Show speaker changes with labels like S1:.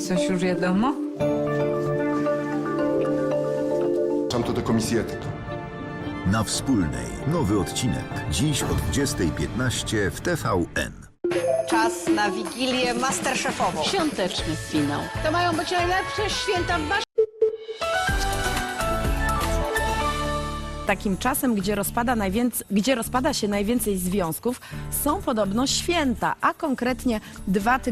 S1: Coś już wiadomo?
S2: Tam to do komisji etyki.
S3: Na Wspólnej. Nowy odcinek. Dziś o 20:15 w TVN.
S4: Czas na Wigilię Masterchefową.
S5: Świąteczny finał.
S4: To mają być najlepsze święta w waszym...
S6: Takim czasem, gdzie rozpada się najwięcej związków, są podobno święta, a konkretnie 2 tygodnie